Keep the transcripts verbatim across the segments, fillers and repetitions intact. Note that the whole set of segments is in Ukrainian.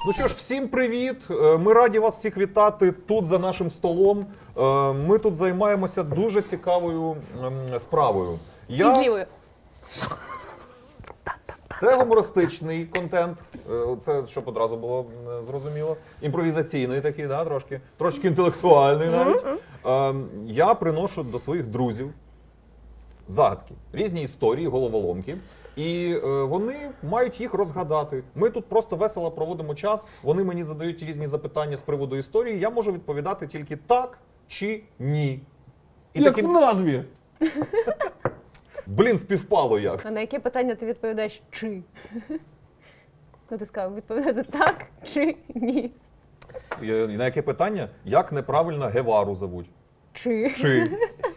Ну що ж, всім привіт! Е, Ми раді вас всіх вітати тут за нашим столом. Е, Ми тут займаємося дуже цікавою ем, справою. І з лівою. Це гумористичний контент, е, це щоб одразу було е, зрозуміло. Імпровізаційний такий, да, трошки, трошки інтелектуальний навіть. Е, Я приношу до своїх друзів загадки, різні історії, головоломки. І е, вони мають їх розгадати. Ми тут просто весело проводимо час, вони мені задають різні запитання з приводу історії, я можу відповідати тільки так чи ні. І Як таким... в назві. Блін, співпало як. А на яке питання ти відповідаєш чи? Ну ти сказав, відповідати так чи ні? І на яке питання? Як неправильно Гевару зовуть? Чи? Чи?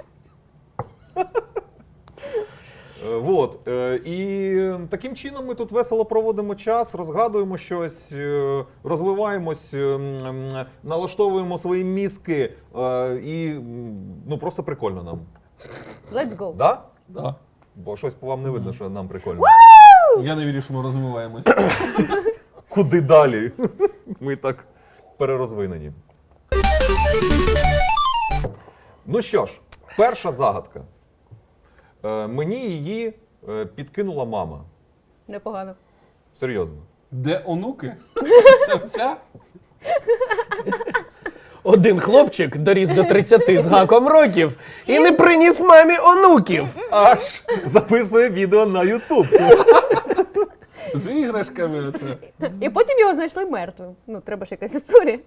Вот. І таким чином ми тут весело проводимо час, розгадуємо щось, розвиваємось, налаштовуємо свої мізки і ну просто прикольно нам. Let's go. Да? Да. Бо щось по вам не видно, що нам прикольно. Я не вірю, що ми розвиваємось. Куди далі? Ми так перерозвинені. Ну що ж, перша загадка. Е, Мені її е, підкинула мама. Непогано. Серйозно. Де онуки? Це ця? Один хлопчик доріс до тридцяти з гаком років і не приніс мамі онуків. Аж записує відео на Ютуб. З іграшками оце. І потім його знайшли мертвим. Ну, треба ж якась історія.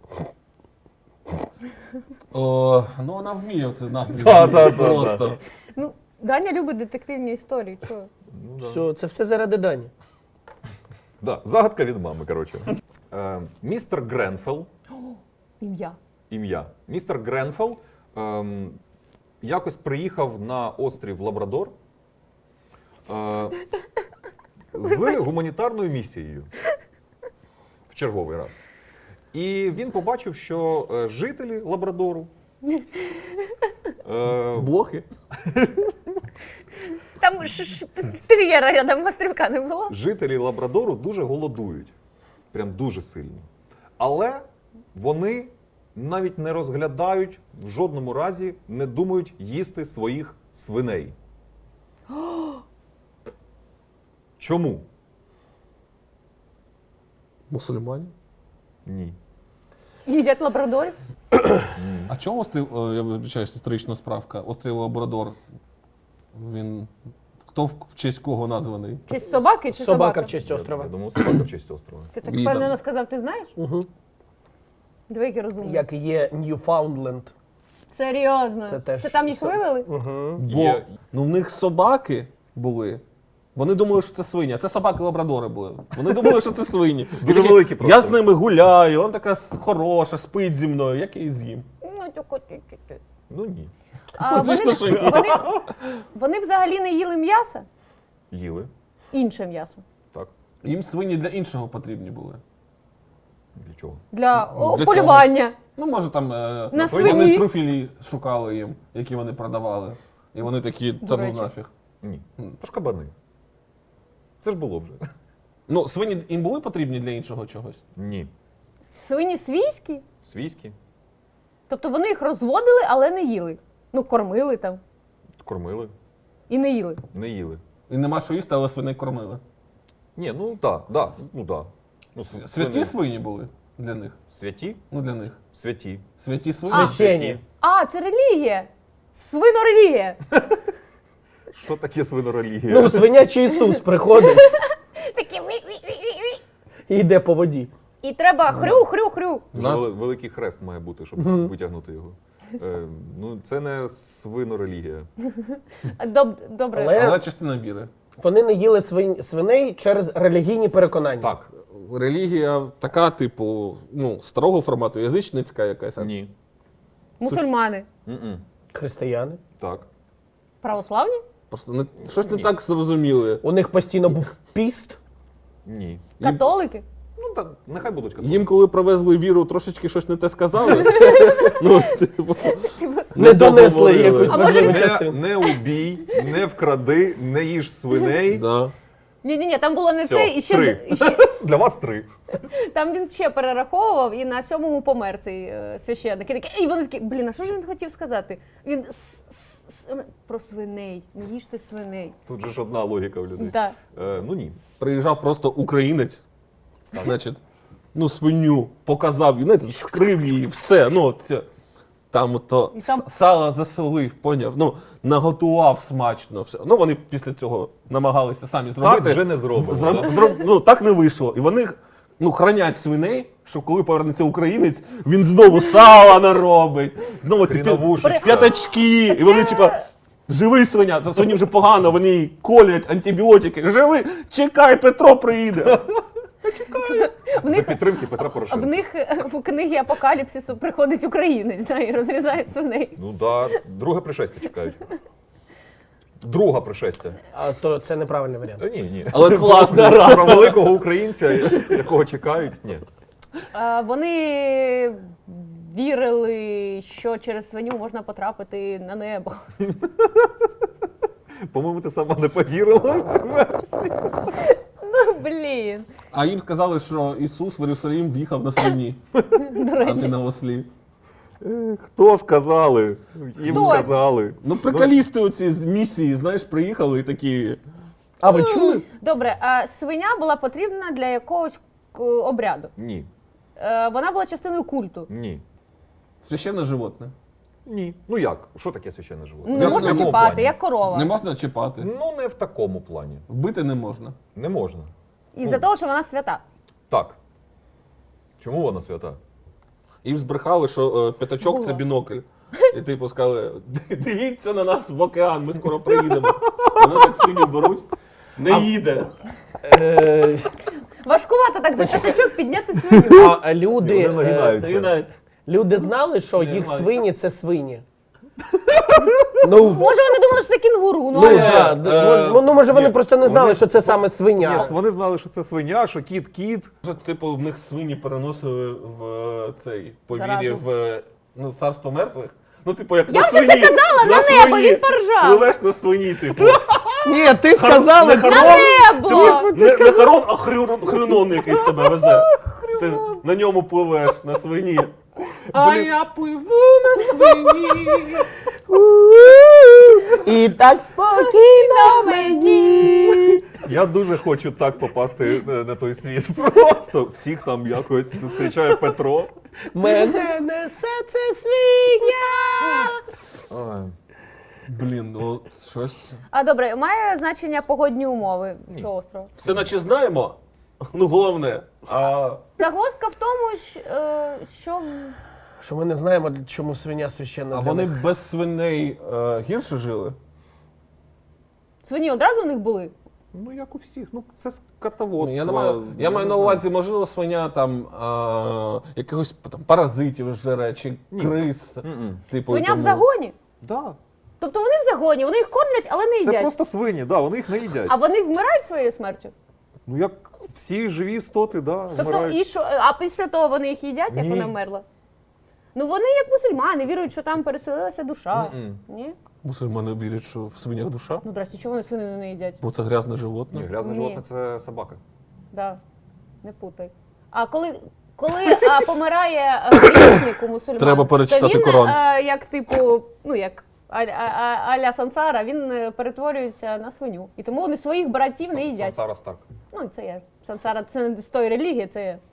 О, ну вона вміє оце настрій. Да, да, да, Просто. Ну, Даня любить детективні історії. Чого? Ну, да. Все, це все заради Дані. Да, загадка від мами, коротше. Е, містер Гренфелл, Ім'я. ім'я. Містер Гренфелл ем, якось приїхав на острів Лабрадор е, з гуманітарною місією. В черговий раз. І він побачив, що е, жителі Лабрадору е, Блохи? Там ж, ж тер'єра рядом острівка не було. жителі Лабрадору дуже голодують. Прям дуже сильно. Але вони навіть не розглядають, в жодному разі не думають їсти своїх свиней. Чому? Мусульмані? Ні. Їдять лабрадорів. А чому острів, о, я вибачаюсь, історична справка, острів Лабрадор, він, хто в, в честь кого названий? Чи собаки, чи собака? Собака в честь Я, острова. я думав, собака в честь острова. Ти так Віда. впевнено сказав, ти знаєш? Угу. Диви, який розумний. Як і є Ньюфаундленд. Серйозно. Це теж Це там їх со- вивели? Угу. Бо Є- ну, в них собаки були. Вони думали, що це свині, а це собаки-лабрадори були. Вони думали, що це свині. І Дуже такі, великі просто. Я з ними гуляю, вона така с- хороша, спить зі мною, як я її з'їм. Ну, тільки ти-ти-ти. Ну ні. А Це ж вони, то, що ні. вони, вони взагалі не їли м'яса? Їли. Інше м'ясо. Так. Їм свині для іншого потрібні були. Для чого? Для, Ну, о, для полювання. Ну, може, там е, На вони свині. труфілі шукали їм, які вони продавали. І вони такі, До та ну речі. нафіг. Ні. Тож кабани. Це ж було вже. Ну, свині їм були потрібні для іншого чогось? Ні. Свині свійські? Свійські. Тобто вони їх розводили, але не їли. Ну, кормили там Кормили. і не їли. Не їли. І нема що їсти, але свиней кормили. Ні, ну так, да, ну да. Ну, с- Святі свини- свині були для них. Святі? Ну, для них. Святі. Святі свині. А. Священні. А, це релігія. Свинорелігія. Що таке свинорелігія? Ну, свинячий Ісус приходить Такі ви-ви-ви-ви-ви. і йде по воді. І треба хрю-хрю-хрю. Дуже Нас- вели- великий хрест має бути, щоб витягнути його. Е, ну, це не свинорелігія. Доб- Добре. Але- Але частина віри. Вони не їли свин... свиней через релігійні переконання. Так. Релігія така, типу, ну, старого формату, язичницька якась. Ні. Мусульмани. М-м. Християни. Так. Православні? Просто не, щось не Ні. так зрозуміли. У них постійно був піст. Ні. Їм, Католики? Ну, так, нехай будуть католики. їм, коли привезли віру, трошечки щось не те сказали. Ну, типу, Не донесли договорили. якусь А може важливу Не, частину. не убій, не вкради, не їж свиней. Да. Ні, ні, ні, там було не Всьо, це, і ще, три. і ще Для вас три. там він ще перераховував, і на сьомому помер цей е, священник. І, такі, і вони такі, блін, а що ж він хотів сказати? Він с- с- с- про свиней, не їжте свиней. Тут же ж одна логіка в людей. Так. Е, ну ні. Приїжджав просто українець, значить, ну, свиню показав, і, знаєте, скрив її, все, ну, це, там то І там- сало засолив, поняв, ну, наготував смачно, все. Ну, вони після цього намагалися самі зробити. Так вже не зробимо. Зроб- да? зроб- ну, так не вийшло. І вони, ну, хранять свиней, щоб коли повернеться українець, він знову сала наробить, знову ці п'я- Хріновушечка. п'ятачки, і вони, типа, живий свиня, то свині вже погано, вони їй колять антибіотики. Живий, чекай, Петро приїде. В За них, підтримки Петра в Порошенка. них е, в книгі Апокаліпсису приходить українець, да, і розрізає свиней. Ну да, друге пришестя чекають. Друге пришестя. А то це неправильний варіант. Е, Ні, ні. Але класна Про, про великого українця, якого чекають, ні. Е, Вони вірили, що через свиню можна потрапити на небо. По-моєму, ти сама не повірила в цю версію. Ну, блін. А їм сказали, що Ісус в Єрусалим в'їхав на свині, До а речі. не на ослі. Е, Хто сказали? Їм Хтось. сказали. Ну, приколісти оці з місії, знаєш, приїхали і такі. А ви чули? Добре, а свиня була потрібна для якогось к- обряду. Ні, Е, Вона була частиною культу. ні, Священне животне. ні. Ну як? Що таке священне животне? Не В можна якому чіпати, плані? як корова. Не можна чіпати. Ну, не в такому плані. Вбити не можна. Не можна. Із-за того, що вона свята. Так. Чому вона свята? Їм збрехали, що е, п'ятачок Було. це бінокль. І типу сказали, «Ди- дивіться на нас в океан, ми скоро приїдемо. Вони так свиню беруть. Не їде. Е, Важкувато так за п'ятачок підняти свиню. А люди, Вони е, нагинаються. Ти навіть. люди знали, що Ні, їх немає. свині це свині. Ну, Може, вони думали, що це кінгуру. Ну, ну, Ні, да, е, ну, ну, може вони ні. просто не знали, Вони- що це саме свиня. Ні, вони знали, що це свиня, що кіт кіт. Може, типу, в них свині переносили в е, цей повірі Заразу. в е, ну, царство мертвих. Ну, типу, як Я на вже свині. це казала, на небо, свині. він поржав. Пливеш на свині, типу. Ні, ти сказала, не На Харон, небо! не, не Харон, а хрюрон, хренон якийсь тебе везе. Ти на ньому пливеш, на свині. А Блін. я пливу на свині. і так спокійно мені. Я дуже хочу так попасти е, на той світ. Просто всіх там якось зустрічає Петро. Мене несе це свиня. Ай. Блін, ну щось. А добре, має значення погодні умови цього острова? Все наче знаємо. Ну, головне. А Загвоздка в тому, щ- е, що Що ми не знаємо, чому свиня священна А для вони них. без свиней е, гірше жили? свині одразу в них були. Ну, як у всіх. Ну, це Ну, скотоводство. я, не маю, я маю не на знаю. увазі, можливо, свиня там е, якихось там, паразитів жере, чи Ні. крис. М-м. Типу, Свиня в тому- загоні. Да. Тобто вони в загоні, вони їх кормлять, але не Це їдять. просто свині, да, вони їх не їдять. А вони вмирають своєю смертю. Ну, як всі живі істоти, да, Тобто, вмирають. і що, а після того вони їх їдять, як Ні. вона вмерла? Ну вони як мусульмани, вірують, що там переселилася душа. М-м. Ні? Мусульмани вірять, що в свинях душа, Ну, здрасте, чого вони свинину не їдять? бо це грязне животне. Ні, грязне Ні. животне це собака. Да. Не путай. А коли, коли а, помирає е, грішник у мусульман, Треба перечитати то він, Коран. е, як типу, ну як а- а- а- аля Сансара, він е, перетворюється на свиню. І тому вони своїх братів не Сан- їдять. Сансара Старк. Ну, це є. Сансара це не з тої релігії, це є.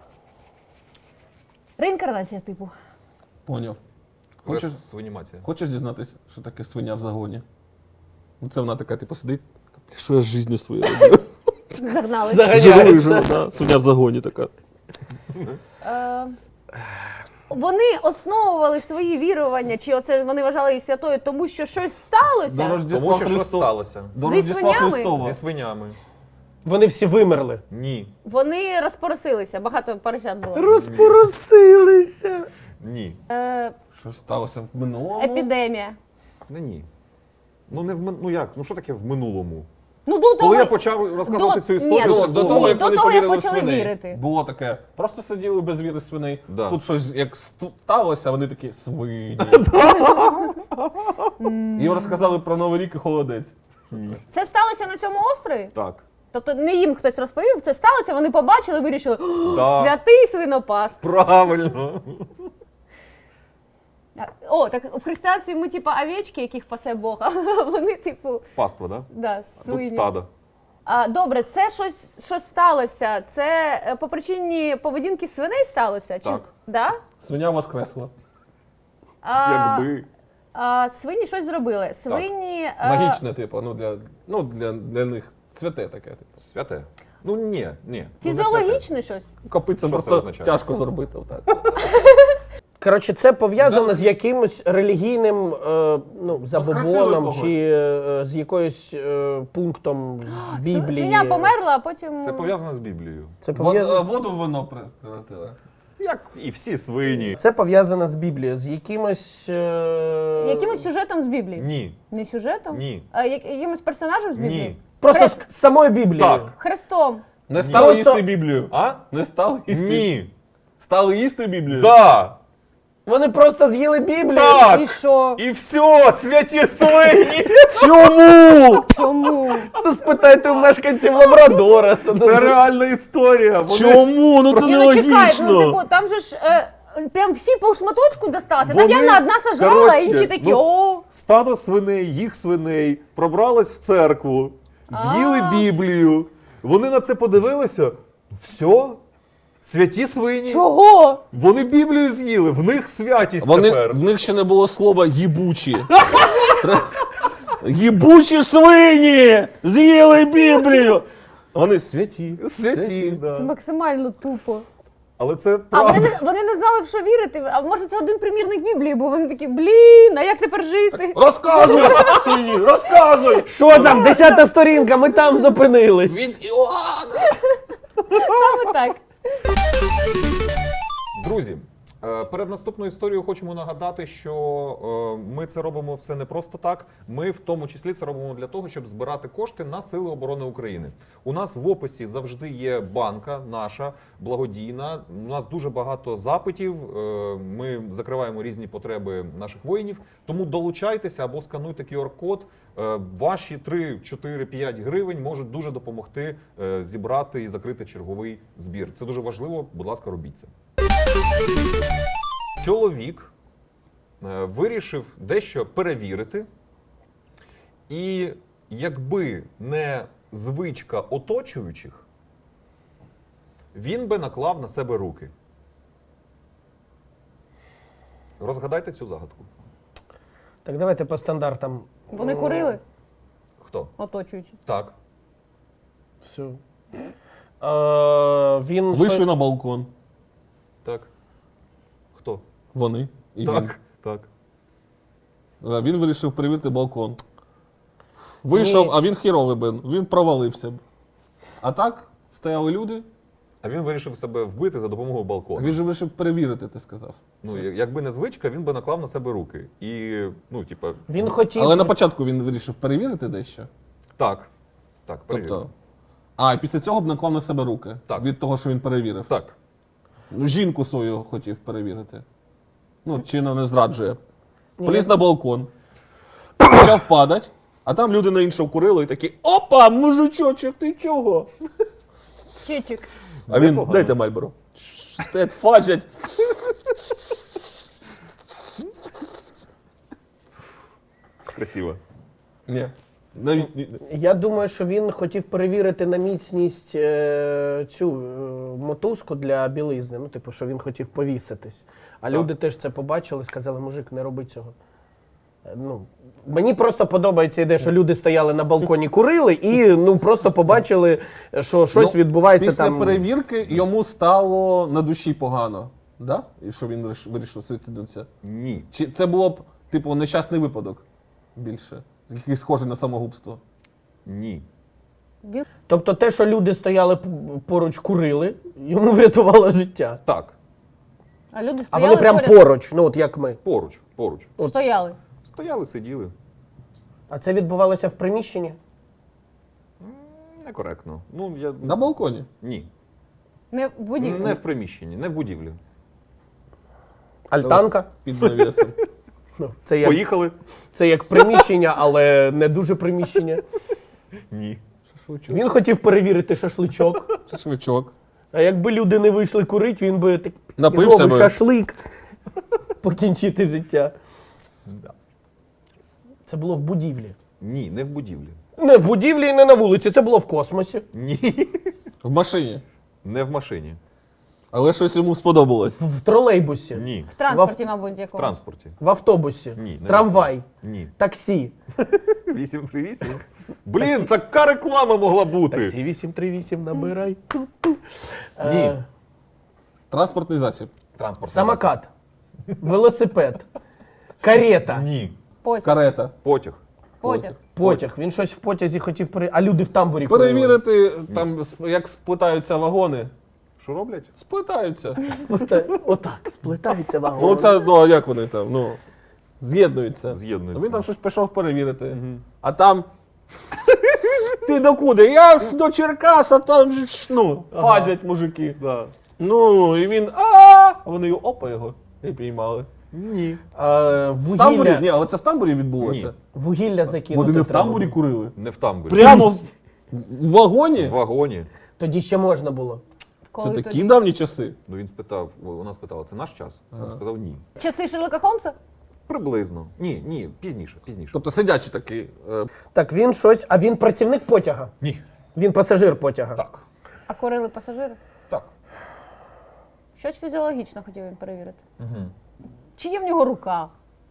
Реінкарнація, типу. Поняв. Хочеш, Свинімація. хочеш дізнатися, що таке свиня в загоні? Ну, це вона така, типу, сидить, така, що я з життю своєю роблю? Загнали. Заганяється. Живу і живу, да. Свиня в загоні така. Е, Вони основували свої вірування, чи оце вони вважали її святою, тому що щось сталося. До Рождества Тому що щось Христова. сталося. До Зі Рождества свинями? Христова. Зі свинями. Вони всі вимерли. Ні. Вони розпоросилися, багато поросят було. Розпоросилися. Ні. Е, Щось сталося в минулому. епідемія. Не ні. Ну не в мин- ну як? Ну що таке в минулому? Ну, до того, Коли я почав розказувати до- цю історію, Ні, це До, до було- того, Ні, як до вони того, як повірили в почали свиней. вірити. Було таке. Просто сиділи без віри свиней. Да. Тут щось як сту- сталося, вони такі свині. Їм розказали про Новий рік і холодець. Це сталося на цьому острові? Так. Тобто не їм хтось розповів, це сталося, вони побачили, вирішили, «О, Да. святий свинопас. Правильно. О, так в християнстві ми типу овечки, яких пасе Бог, а вони типу, Паства, да? да, А тут свині. стадо. А, добре, це щось, щось сталося. Це е, по причині поведінки свиней сталося? Чи, Так. Да? Свиня воскресла. А, Якби. а, свині щось зробили. Свині... е, Магічне, типу, ну для, ну, для, для них святе таке. Типу. Святе. Ну ні, ні. ну, не святе. Фізіологічне щось? Копицям Що це просто означає? тяжко зробити. Отак. Коротше, це пов'язано з якимось релігійним е, ну, забобоном когось. чи е, з якоюсь е, пунктом з Біблії. Свиня померла, а потім... Це пов'язано з Біблією. Це Вод- пов'язано, Воду в вино превратили. Як і всі свині. це пов'язано з Біблією, з якимось... Е... Якимось сюжетом з Біблії? Ні. Не сюжетом? Ні. А як- якимось персонажем з Біблії? Ні. Просто Хре- з з самої Біблії. Так. Христом. Не стали Просто- їсти Біблію. А? Не стали їсти. Ні. Стали їсти Біблію? Да. Вони просто з'їли Біблію. Так. І що? І все, святі свині. Чому? Чому? Ну, спитайте у мешканців Лабрадора. Це, Це реальна історія. Вони... Чому? Ну це Ні, ну чекай, ну типу, там же ж е, прям всі по шматочку досталося. Там Вони- явно одна сажала, коротше, а інші такі, ну, о. Стадо свиней, їх свиней, пробралось в церкву, з'їли А. Біблію. Вони на це подивилися. Все, святі свині. Чого? Вони Біблію з'їли, в них святість Вони, тепер. в них ще не було слова їбучі. Тре- Їбучі свині! З'їли Біблію! Вони святі. Святі, да. Це максимально тупо. Але це А правда. вони не, вони не знали, в що вірити. А може це один примірник Біблії, бо вони такі, блін, а як тепер жити? Розказуй, свині, розказуй! Що там, десята сторінка, ми там зупинились. Від Іоанна! Саме так. Друзі, е, перед наступною історією хочемо нагадати, що е, ми це робимо все не просто так. Ми в тому числі це робимо для того, щоб збирати кошти на Сили оборони України. У нас в описі завжди є банка наша благодійна. У нас дуже багато запитів. е, Ми закриваємо різні потреби наших воїнів. Тому долучайтеся або скануйте ку ар-код. Е, Ваші три, чотири, п'ять гривень можуть дуже допомогти е, зібрати і закрити черговий збір. Це дуже важливо. Будь ласка, робіть це. Чоловік е, вирішив дещо перевірити, і якби не звичка оточуючих, він би наклав на себе руки. Розгадайте цю загадку. Так, давайте по стандартам. Вони курили, Хто? оточуючи. Так. Все. Е, він Вийшли що- на балкон. Так. Хто? Вони. І Так. Так. він. Е, Він вирішив перевірити балкон. Вийшов, Ні. а він хіровий бен. Він провалився б. А так стояли люди. А він вирішив себе вбити за допомогою балкону. Він же вирішив перевірити, ти сказав. Ну, я- якби не звичка, він би наклав на себе руки. І, ну, типа, Він хотів. Але на початку він вирішив перевірити дещо. так. Так, перевірив. Тобто. А, і після цього б наклав на себе руки. Так. Від того, що він перевірив. Так. Ну, жінку свою хотів перевірити. Ну, чи вона не зраджує. Ні, Поліз я- на балкон, почав падати, а там люди на іншого курили і такі: опа, мужичочок, ти чого? Чичик. А він, Непогано. дайте Мальборо. Стоять, фажать. Красиво. Ні. Навіть ні. Я думаю, що він хотів перевірити на міцність е, цю е, мотузку для білизни. Ну, типу, що він хотів повіситись. А Так. люди теж це побачили, сказали, мужик, не роби цього. Е, Ну, мені просто подобається ідея, що люди стояли на балконі, курили і ну, просто побачили, що щось Ну, відбувається Після там. перевірки йому стало на душі погано. Да? І що він виріш- вирішив суїциднутися? Ні. Чи це було б, типу, нещасний випадок більше? Який схожий на самогубство? Ні. Він Тобто те, що люди стояли п- поруч, курили, йому врятувало життя. Так. А люди А стояли вони прям поряд, поруч, ну от як ми. Поруч. Поруч. стояли. Стояли, сиділи. А це відбувалося в приміщенні? Некоректно. Ну, я... На балконі. Ні. Не в будівлі. Не в приміщенні, не в будівлі. Альтанка? Під навісом. Ну, це, як, Поїхали? це як приміщення, але не дуже приміщення. Ні. Шашличок. Він хотів перевірити шашличок. Шашличок. А якби люди не вийшли курити, він би так Напився робив би. шашлик. Покінчити життя. Да. Це було в будівлі. Ні, не в будівлі. Не в будівлі і не на вулиці, це було в космосі. Ні. В машині. Не в машині. Але щось йому сподобалось. В тролейбусі, Ні. В транспорті, мабуть, В якого. транспорті. в автобусі, Ні. не трамвай, в- Ні. таксі. вісім три вісім. Блін, така реклама могла бути. Таксі вісім три вісім, набирай. Ту-ту. Ні. Е, Транспортний засіб. Транспорт. Самокат, велосипед, карета, Ні. Потяг. Карета. Потяг. Потяг. потяг. Він щось в потязі хотів перевірити, а люди в тамбурі курили. Перевірити, там, сп- як сплетаються вагони. Що роблять? Сплетаються. Сплета- Отак, сплетаються вагони. Ну, це, ну, а як вони там, ну, з'єднуються. З'єднуються. Він там щось пішов перевірити. А там. Ти докуди? Я ж до Черкас, а там же ж, ну, фазять мужики. Да. Ну, і він. А а вони його опа його і піймали. Ні. А, В тамбурі? вугілля, Ні, але це в тамбурі відбулося. Ні. вугілля закинути Вони не в треба тамбурі було. курили. Не в тамбурі. Прямо в, в вагоні? В вагоні. Тоді ще можна було. Це Коли такі тоді? давні часи. Ну він спитав, вона спитала, це наш час? Він сказав ні. Часи Шерлока Холмса? Приблизно. Ні, ні, пізніше, пізніше. Тобто сидячий такий. е, Так, він щось, а він працівник потяга. Ні. Він пасажир потяга. Так. А курили пасажири? Так. Щось фізіологічно хотів він перевірити. Угу. Чи є в нього рука?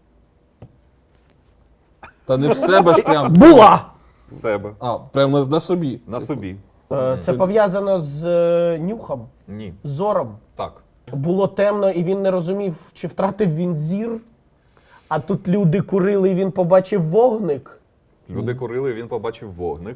Та не в себе ж прям. Була! Себе. А, прямо на, на собі. На собі. Е, Це пов'язано з е, нюхом, Ні. з зором. Так. Було темно, і він не розумів, чи втратив він зір. А тут люди курили, і він побачив вогник. Люди курили, він побачив вогник.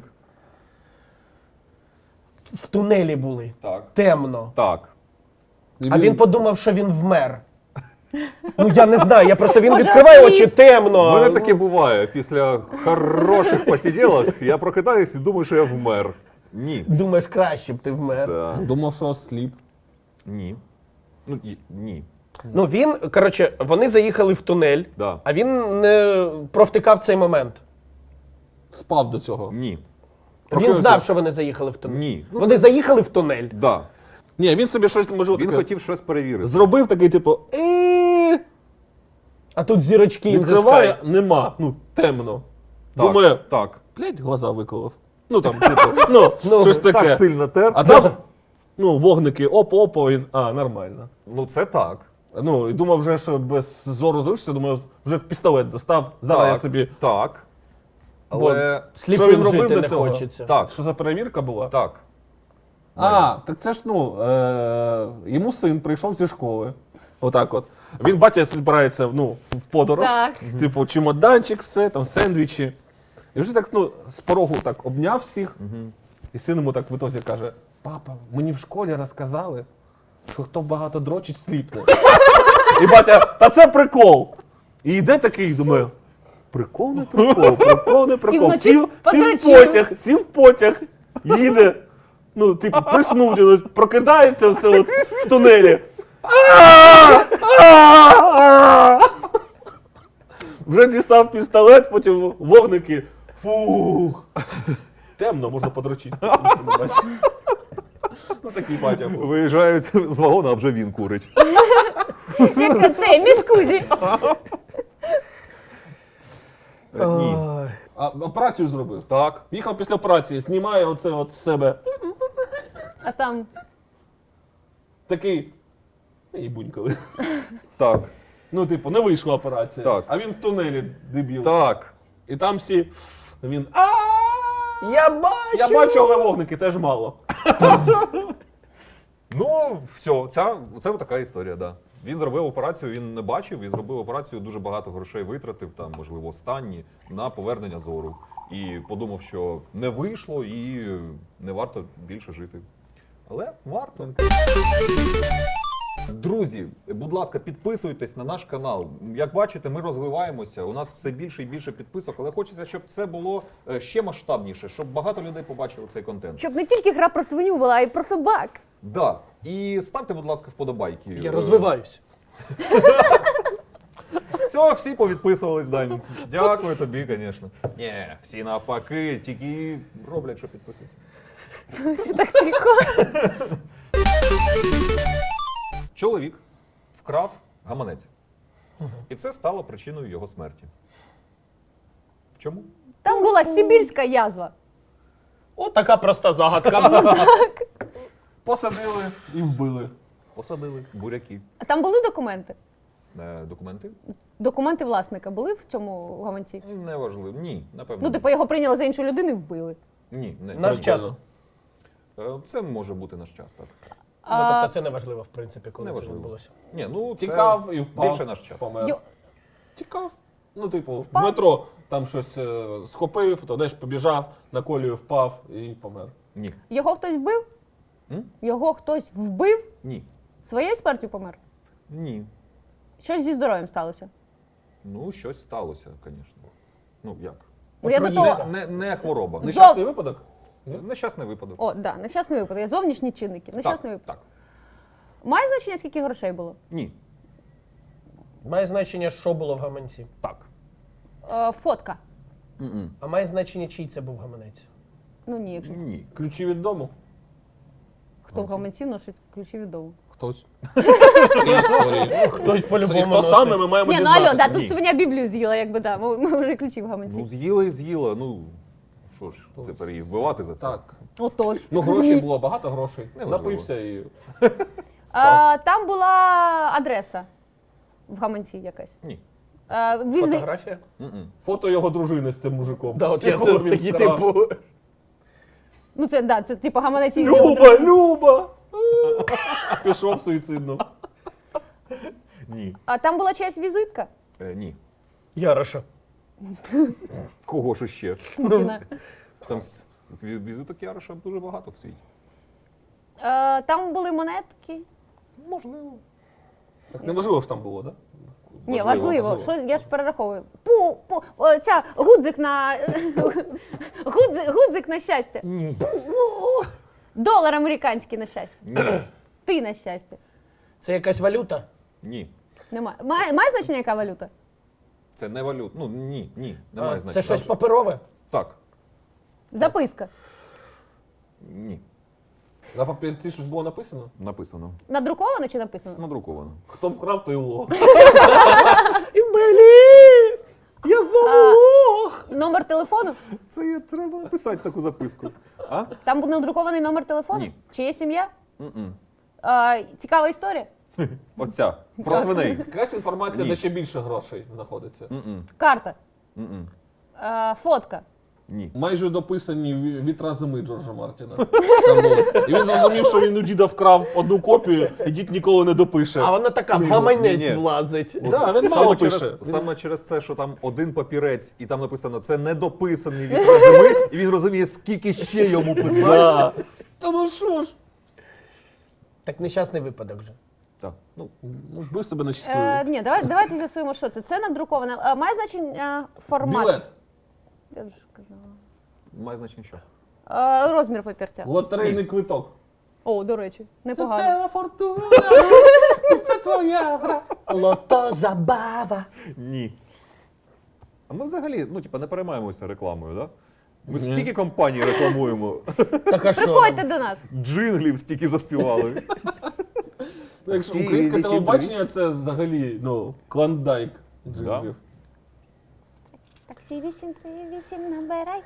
В тунелі були. Так. Темно. Так. І А він подумав, що він вмер. Ну я не знаю, я просто він Може, відкриває осліп? очі темно. У мене таке буває. Після хороших посиділок я прокидаюсь і думаю, що я вмер. Ні. Думаєш, краще б ти вмер. Так. Думав, що осліп. Ні. Ну, і- ні. Ну він, коротше, вони заїхали в тунель, Да. а він не провтикав цей момент. Спав до цього. Ні. Він Прокинувся. знав, що вони заїхали в тунель. Ні. Вони заїхали в тунель. Да. Ні, він собі щось може Він таке хотів щось перевірити. зробив такий, типу, «Е-е-е». А тут зірочки відкриває, відкриває. нема. Ну, темно. Так. Думає, Так. блядь, глаза виколов. Ну там, типу, ну, Ну, щось таке. Так сильно тер. А там, ну, вогники, оп-оп, він, а, нормально. Ну це так. Ну, і думав вже, що без зору залишиться, думаю, вже пістолет достав, зараз так. я собі. Так. Але. Сліпим Що він робив жити до не цього? хочеться. Так. Що за перевірка була? Так. А, так це ж, ну, е- йому син прийшов зі школи. Отак от. Він, батя, збирається, ну, в подорож. Так. Типу, чемоданчик, все, там, сендвічі. І вже так, ну, з порогу так обняв всіх. І син йому так в ітозі каже: папа, мені в школі розказали, що хто багато дрочить, сліпне. І батя, та це прикол. І йде такий, думаю, прикол не прикол, прикол не прикол. вночі Сів, сів в подрочив. потяг, сів в потяг, їде. Ну, типу, приснув, ну, прокидається оце от в тунелі. Вже дістав пістолет, потім вогники. Фух. Темно, можна подрочити. Ну, такий батя був. Виїжджають з вагона, а вже він курить. Як цей міскузі. Е, Ні. Ой. А операцію зробив. Так. Їхав після операції, знімає оце от з себе. А там Такий. І бунькали. Так. Ну, типу, не вийшла операція. Так. А він в тунелі дебіл. Так. І там всі. Він. А! Я бачу! Я бачу, але вогники теж мало. Ну, все, ця, це така історія, да. Він зробив операцію, він не бачив, і зробив операцію, дуже багато грошей витратив, там, можливо, останні, на повернення зору. І подумав, що не вийшло і не варто більше жити. Але варто. Друзі, будь ласка, підписуйтесь на наш канал. Як бачите, ми розвиваємося. У нас все більше і більше підписок, але хочеться, щоб це було е, ще масштабніше, щоб багато людей побачили цей контент. щоб не тільки гра про свиню була, а й про собак. Да. І ставте, будь ласка, вподобайки. Я Е, розвиваюсь. Все, всі повідписувались, Дань. Дякую тобі, звісно. Ні, всі навпаки, тільки роблять, що підписуються. Так тихо. Чоловік вкрав гаманець. І це стало причиною його смерті. Чому? Там була сибірська язва. О, така проста загадка. Посадили і вбили. Посадили буряки. А там були документи? Е, Документи? Документи власника були в цьому гаманці? Неважливо. Ні, напевно. Ну, типу, його прийняли за іншу людину і вбили. Ні, не. Наш час. Е, Це може бути наш час, так. Ну, А, тобто це не важливо, в принципі, коли це Неважливо. відбулося. Ні, ну це Тікав і впав. більше наш час. Помер. Йо- Тікав. Ну, типу, Впав? в метро там щось е, схопив, то десь побіжав, на колію впав і помер. Ні. Його хтось вбив? М? Його хтось вбив? Ні. Своєю смертю помер? Ні. Щось зі здоров'ям сталося? Ну, щось сталося, звісно. Ну, як? Ну, я до Отруївся. того... Не, не хвороба. Зо- Нещасний випадок? Нещасний випадок. О, да, нещасний випадок. Є зовнішні чинники. Нещасний так, випадок. так. Має значення, скільки грошей було? Ні. Має значення, що було в гаманці. Так. Е, фотка. М-м. А має значення, чий це був гаманець. Ну ні, якщо Ні. Ключі від дому? хто в гаманці носить ключі від дому. Хтось. Історії. Хтось І по-любому хто саме, ми носить. маємо Ні, ну алло, да, дізнатися. тут Ні. свиня Біблію з'їла, якби да. Ми, ми вже ключі в гаманці. Ну, з'їла і з'їла. Ну, що ж, тепер її вбивати за це? Так. Отож. Ну, грошей було, багато грошей. Неважливо. Напився і... А, там була адреса в гаманці якась. Ні. А, візи... Фотографія? М-м. Фото його дружини з цим мужиком. Да, от я Якого тут він такі, вкрав. типу. Ну це, да, це типу гаманець і Люба, Люба! Пішов суїцидно. Ні. А там була чиясь візитка Е, ні. Яроша. Кого ж ще? Путіна. Там с- ві- візиток Яроша дуже багато в світі. А, там були монетки. Можливо. Так неважливо, що там було, так? Ні, Важливо, важливо. Що, я ж перераховую. Пу, пу, о, ця, гудзик на... гудзик, гудзик на щастя. Ні. Долар американський на щастя. Ні. Ти на щастя. Це якась валюта? Ні. Немає. Має, має значення яка валюта? Це не валют. Ну, ні, ні. А, Немає це значення. щось паперове? Так. Записка. Ні. На папірці щось було написано? Написано. Надруковано чи написано? Надруковано. Хто вкрав, той лох. І блін! Я знову А. лох! Номер телефону? Це є, треба написати таку записку. А? Там був надрукований номер телефону? Ні. Чи є сім'я? М-м. А, цікава історія. Оця. Про свиней. Якась інформація, Ні. де ще більше грошей знаходиться. М-м. Карта. М-м. А, фотка. Ні. Майже дописані ві- вітра зими Джорджа Мартіна. Там було. І він зрозумів, що він у діда вкрав одну копію, і дід ніколи не допише. А вона така в Книгу. гаманець Ні-ні. влазить. Да, він Саме мало через, пише. саме через це, що там один папірець, і там написано, це недописаний вітер зими, і він розуміє, скільки ще йому писати. Да. Та ну що ж? Так нещасний випадок же. Так. Ну, Ну, вбив себе на Е, щасливий. ні, давай, давайте з'ясуємо, що це. Це надруковане. А, має значення формат. Білет. Я вже казала. має значення що? А, розмір папірця. Лотерейний квиток. О, до речі, Це непогано. твоя фортуна, це твоя гра. Лото забава. Ні. А ми взагалі, ну, типа, не переймаємося рекламою, да? Ми Ні. стільки компаній рекламуємо, Так а що? Приходьте до нас. джинглів стільки заспівали. Ну, якщо Всі українське вісім телебачення, це взагалі, ну, клондайк джинглів. Таксі вісім три вісім набирай.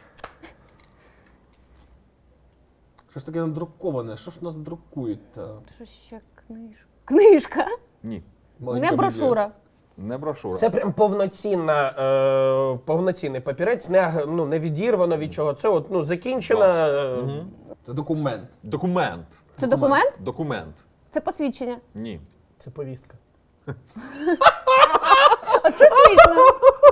Що ж таке надруковане? Що ж нас друкують? та? Що ще книжка? Книжка. Ні. Маленька Не брошура. Не брошура. Це прям повноцінна, е, повноцінний папірець, не, аг- ну, не відірвано від чого. Це от, ну, закінчена. е, Мгм. Біблія. Це документ. Документ. Це документ? Документ. Це посвідчення. Ні. Це повістка. От що смішно?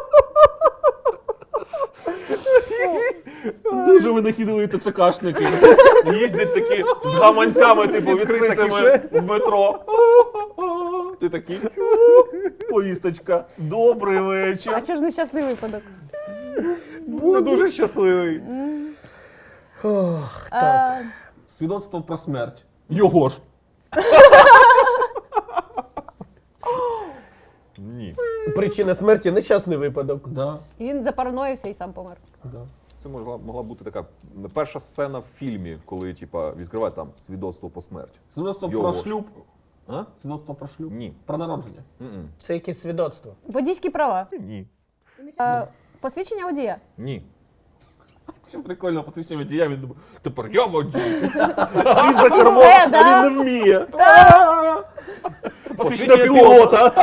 Дуже винахідливі ТЦКшники. Їздять такі з гаманцями, типу, Відкрита відкритими в метро. Ти такий. Повісточка. Добрий вечір. А чого ж нещасний випадок? Не дуже щасливий. Ох, А, Свідоцтво про смерть. Його ж. Ні. причина смерті нещасний випадок. Да, І він запараноївся і сам помер. да. Це могла, могла бути така перша сцена в фільмі, коли типа відкривають там свідоцтво по смерті. Свідоцтво Його про ж. шлюб. А? Свідоцтво про шлюб. Ні. Про народження. М-м. Це якесь свідоцтво. Водійські права. Ні. Е, Посвідчення водія. Ні. Що прикольно, посвідчення водія, він думає, тепер я водій. Сів за кермо, Все, а да? він не вміє. Посвідчення пілота.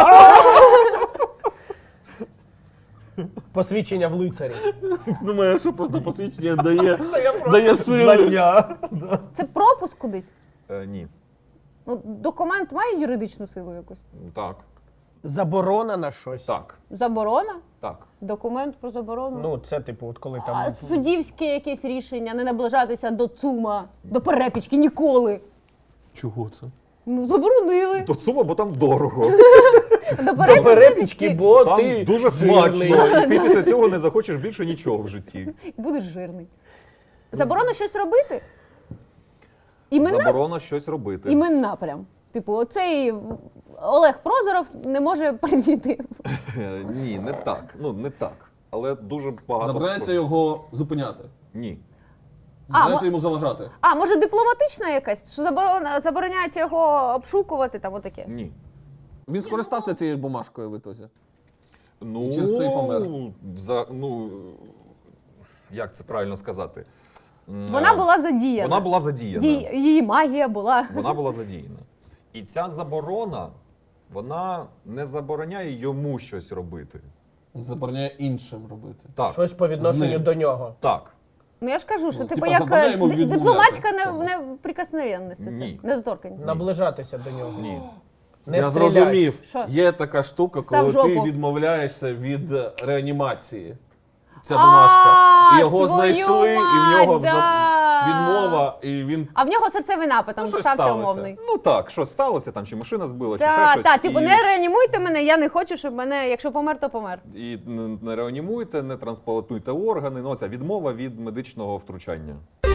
Посвідчення в лицарі. Думаю, що просто посвідчення дає, дає сили. Знання. Це пропуск кудись. Е, ні. Ну, документ має юридичну силу якусь. Так. Заборона на щось. Так. Заборона? Так. Документ про заборону. Ну, це типу, от коли а там. суддівське якесь рішення, не наближатися до ЦУМа, до перепічки ніколи. Чого це? Ну, заборонили. До ЦУМа, бо там дорого. До До перепічки, бо Там ти дуже жирний. смачно. І ти після цього не захочеш більше нічого в житті. Будеш жирний. Заборона щось робити? Імена? Заборона щось робити. Імена прям. Типу, оцей Олег Прозоров не може прийти. Е, Ні, не так. Ну, не так. Але дуже багато. Забирається схож- його зупиняти. Ні. Забирається мо- йому заважати. А, може дипломатична якась? Що заборона, забороняється його обшукувати, там отаке. Ні. Він скористався цією бумажкою в ітозі. Ну, І через це й помер. За, ну, як це правильно сказати? М, Вона е, була задіяна. Вона була задіяна. Її, її магія була. Вона була задіяна. І ця заборона, вона не забороняє йому щось робити. Забороняє іншим робити. Так. Щось по З відношенню ним. до нього. Так. Ну я ж кажу, що Ну, типу типа, як забороняємо е, ди- відмовляти дипломатська в не, цьому. неприкосновенність. Це, Ні. недоторканність. Наближатися до нього. Ні. Не Я стріляй. зрозумів. Що? Є така штука, Став коли ти жопу. відмовляєшся від е, реанімації. Ця А, бумажка. І його твою знайшли, і в мать, нього да. за- відмова, і він. А в нього серцевий напад, там Ну, щось стався сталося. умовний. Ну так, щось сталося, там чи машина збила, чи ще Так, щось. так, типу, і, не реанімуйте мене, я не хочу, щоб мене, якщо помер, то помер. і не- не реанімуйте, не трансплантуйте органи. Ну, ця відмова від медичного втручання.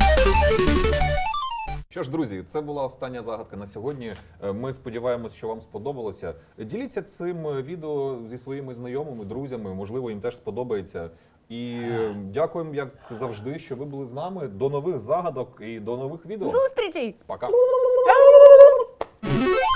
Що ж, друзі, це була остання загадка на сьогодні. Е, Ми сподіваємось, що вам сподобалося. Діліться цим відео зі своїми знайомими, друзями. Можливо, їм теж сподобається. І е, дякуємо, як завжди, що ви були з нами. До нових загадок і до нових відео. Зустрічей! Пока. Ау!